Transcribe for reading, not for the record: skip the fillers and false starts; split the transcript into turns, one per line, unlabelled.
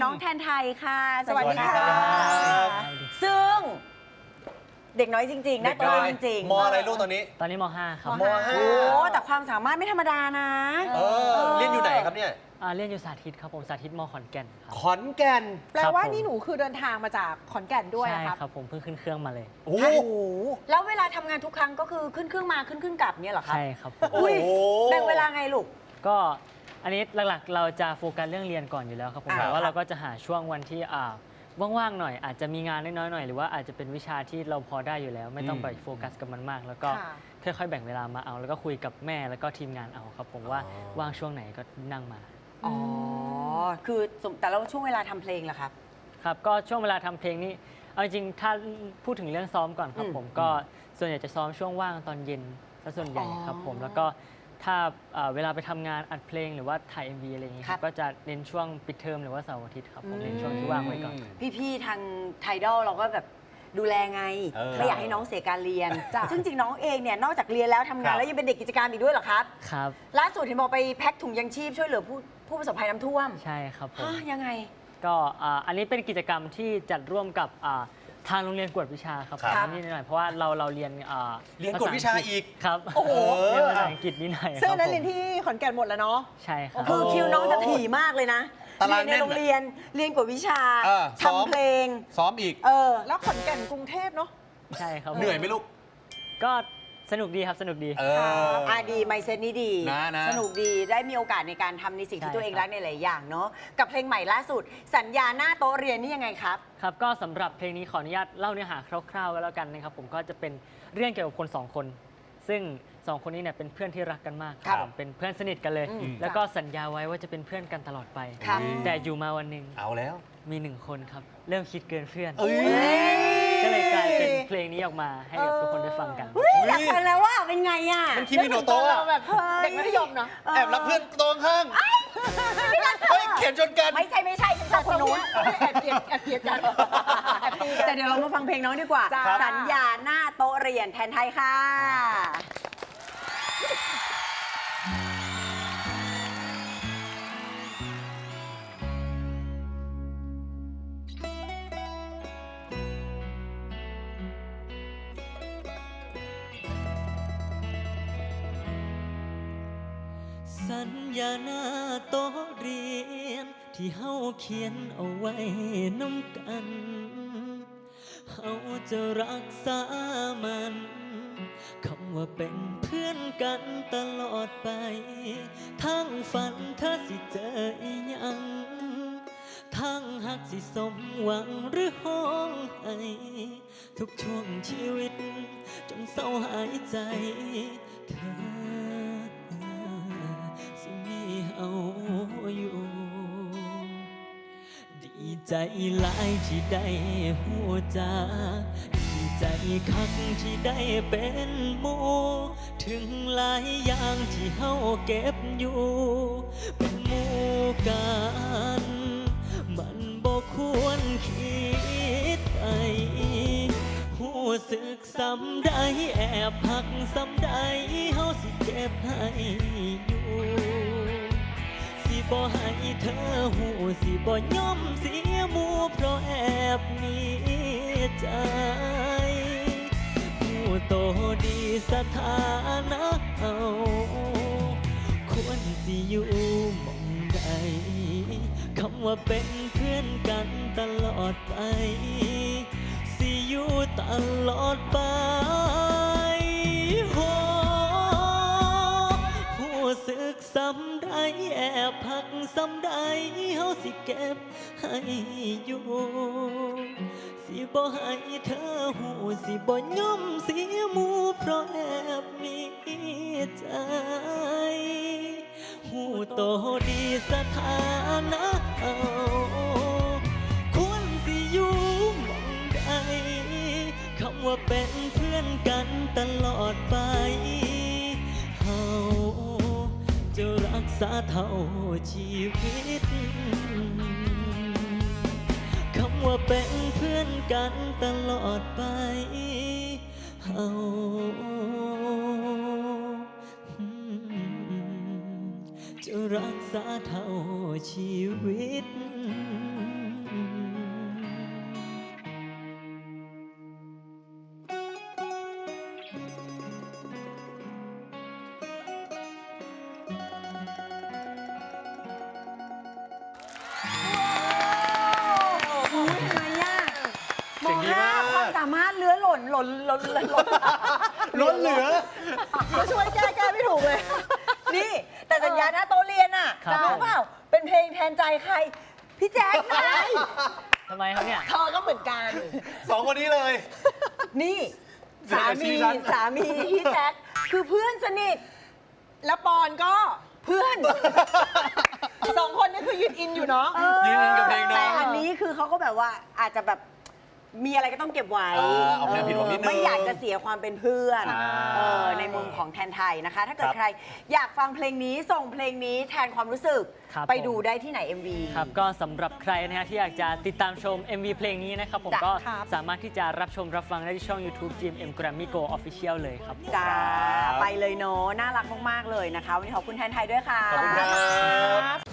น้องแทนไทยค่ะ
สวัสดีค่ะ
ซึ่งเด็กน้อยจริงๆนะตัวจริง
มอะไรลูกตอนนี้
ม.5 ครับ
ม
โอ้แต่ความสามารถไม่ธรรมดานะ
เรียนอยู่ไหนครับเนี่ย
เรียนอยู่สาธิตครับผมสาธิตม.ขอนแก่นครับ
ขอนแก่น
แปลว่านี่หนูคือเดินทางมาจากขอนแก่นด้วย
ใช่
ครับ
ครับผมเพิ่งขึ้นเครื่องมาเลย
โอ้โห
แล้วเวลาทำงานทุกครั้งก็คือขึ้นเครื่องมาขึ้นเครื่องกลับเนี่ยเหรอครับ
ใช่ครับผม
อุ้ยแบ่งเวลาไงลูก
ก็อันนี้หลักๆเราจะโฟกัสเรื่องเรียนก่อนอยู่แล้วครับผมแต่ว่าเราก็จะหาช่วงวันที่ว่างๆหน่อยอาจจะมีงานน้อยๆหน่อยหรือว่าอาจจะเป็นวิชาที่เราพอได้อยู่แล้วไม่ต้องไปโฟกัสกับมันมากแล้วก็ค่อยๆแบ่งเวลามาเอาแล้วก็คุยกับแม่แล้วก็ทีมงานเอาครับผมว่าว่างช่วงไหนก็นั่งมา
อ๋อคือแต่เราช่วงเวลาทำเพลงล่ะครับ
ครับก็ช่วงเวลาทำเพลงนี้เอาจริงๆถ้าพูดถึงเรื่องซ้อมก่อนครับผมก็ส่วนใหญ่จะซ้อมช่วงว่างตอนเย็นซะส่วนใหญ่ครับผมแล้วก็ถ้าเวลาไปทำงานอัดเพลงหรือว่าถ่าย MV อะไรอย่างนี้ก็จะเน้นช่วงปิดเทอมหรือว่าเสาร์อาทิตย์ครับผมเน้นช่วงที่ว่างไว้ก่อน
พี่ๆทางไทดอลเราก็แบบดูแลไงไม่อยากให้น้องเสียการเรียนซึ่งจริงน้องเองเนี่ยนอกจากเรียนแล้วทำงานแล้วยังเป็นเด็กกิจกรรมอีกด้วยเหรอครับ
ครับ
ล่าสุดเห็นบอกไปแพ็คถุงยังชีพช่วยเหลือผู้ประสบภัยน้ำท่วม
ใช่ครับผม
ยังไง
ก็อันนี้เป็นกิจกรรมที่จัดร่วมกับทางโรงเรียนกวดวิชาครับนี่หน่อยเพราะว่าเราเรียน
กวดวิชาอีก
ครับ
โอ้โห
เรียนภาษาอังกฤษนิดหน่อย
ซึ่งนั้นเรียนที่ขอนแก่นหมดแล้วเนาะ
ใช่ครับ
คือคิวน้องจะถี่มากเลยนะเรียนในโรงเรียนเรียนกวดวิชาทำเพลง
ซ้อมอีก
แล้วขอนแก่นกรุงเทพเนาะ
ใช่ครับ
เหนื่อยไหมลูก
ก็สนุกดีครับสนุกดี
ดีไมเซ็ตนี้ดีสนุกดีได้มีโอกาสในการทำในสิ่งที่ตัวเองรักในหลายอย่างเนาะกับเพลงใหม่ล่าสุดสัญญาหน้าโต๊ะเรียนนี่ยังไงครับ
ครับก็สำหรับเพลงนี้ขออนุญาตเล่าเนื้อหาคร่าวๆก็แล้วกันนะครับผมก็จะเป็นเรื่องเกี่ยวกับคน2คนซึ่ง2คนนี้เนี่ยเป็นเพื่อนที่รักกันมากครับเป็นเพื่อนสนิทกันเลยแล้วก็สัญญาไว้ว่าจะเป็นเพื่อนกันตลอดไปแต่อยู่มาวันหนึ่ง
เอาแล้ว
มี1คนครับเริ่มคิดเกินเพื่อนก็เลยกลายเป็นเพลงนี้ออกมาให้กับทุกคนได้ฟังกัน
อยากฟังแล้วว่าเป็นไงอ่ะ
มันคิมิโนโตะ
แบบเด็กมัธยมเนาะ
แอบรักเพื่อนตรงข้างเขียนชนกัน
ไม่ใช่ฉันชอบคนนู้น
แอบเกลียดกัน
แต่เดี๋ยวเรามาฟังเพลงน้องดีกว่าสัญญาหน้าโต๊ะเรียนแทนไทยค่ะ
สัญญาหน้าโต๊ะเรียนที่เฮาเขียนเอาไว้น้ำกันเฮาจะรักษามันคำว่าเป็นเพื่อนกันตลอดไปทั้งฝันเธอสิเจออีหยังทั้งหักสิสมหวังหรือห้องให้ทุกช่วงชีวิตจนเศร้าหายใจเธอเอาอยู่ดีใจหลายที่ได้หัวใจดีใจคักที่ได้เป็นหมู่ถึงหลายอย่างที่เฮาเก็บอยู่เป็นหมู่กันมันบ่ควรคิดไปหัวสึกซ้ำใดแอบหักซ้ำใดเฮาสิเก็บให้อยู่บ่ให้เธอหูสิบ่ยอมเสียหมู่เพราะแอบมีใจหูโตดีสถานะเอาควรสิอยู่มองใดคำว่าเป็นเพื่อนกันตลอดไปสิอยู่ตลอดไปสึกซ้ำใดแอบหักซ้ำใดเฮาสิเก็บให้อยู่สิบ่ให้เธอหูสิบ่ยอมเสียหมู่เพราะแอบมีใจหูโตดีสถานะเอาควรสิอยู่มองใดคำว่าเป็นเพื่อนกันตลอดไปเฮาจะรักษาเท่าชีวิตคำว่าเป็นเพื่อนกันตลอดไปเฮาจะรักษาเท่าชีวิต
ล่น
ล้นเหลือ
จะช่วยแก้ไม่ถูกเลย
นี่ แต่สัญญาหน้าโต๊ะเรียนอ่ะ
ครับ
รู้เปล่าเป็นเพลงแทนใจใคร พี่แจ๊คไง
ทำไมครับเนี่ย
เธอก็เหมือนกัน
สองคนนี้เลย
นี่
เดี๋ยว
สา
ชี้
มี
ฉัน
สามีพี่แจ๊คคือเพื่อนสนิท
แล้วปอนก็
เพื่อน
สองคนนี้คือยืนอินอยู่เนาะ
ยืนกับเพลงน้อง
แต่อันนี้คือเขาก็แบบว่าอาจจะแบบมีอะไรก็ต้องเก็บไว้
เอาแนวผิดหวังนิดนึง
ไม่อยากจะเสียความเป็นเพื่อน
ใช่
ในมุมของแทนไทยนะคะ ถ้าเกิด
ครับ
ใครอยากฟังเพลงนี้ส่งเพลงนี้แทนความรู้สึก
ครับ
ไป
ผม
ดูได้ที่ไหน MV
ครับก็สำหรับใครนะฮะที่อยากจะติดตามชม MV เพลงนี้นะครับผม
จ้ะ
ก็
ครับ
สามารถที่จะรับชมรับฟังได้ที่ช่อง YouTube GMM Grammy Go Official เลยครับ
จ้า
ครับ
ไปเลยเนาะน่ารักมาก ๆ เลยนะคะ วันนี้ขอบคุณแทนไทยด้วยค่ะ
ขอบคุณครับ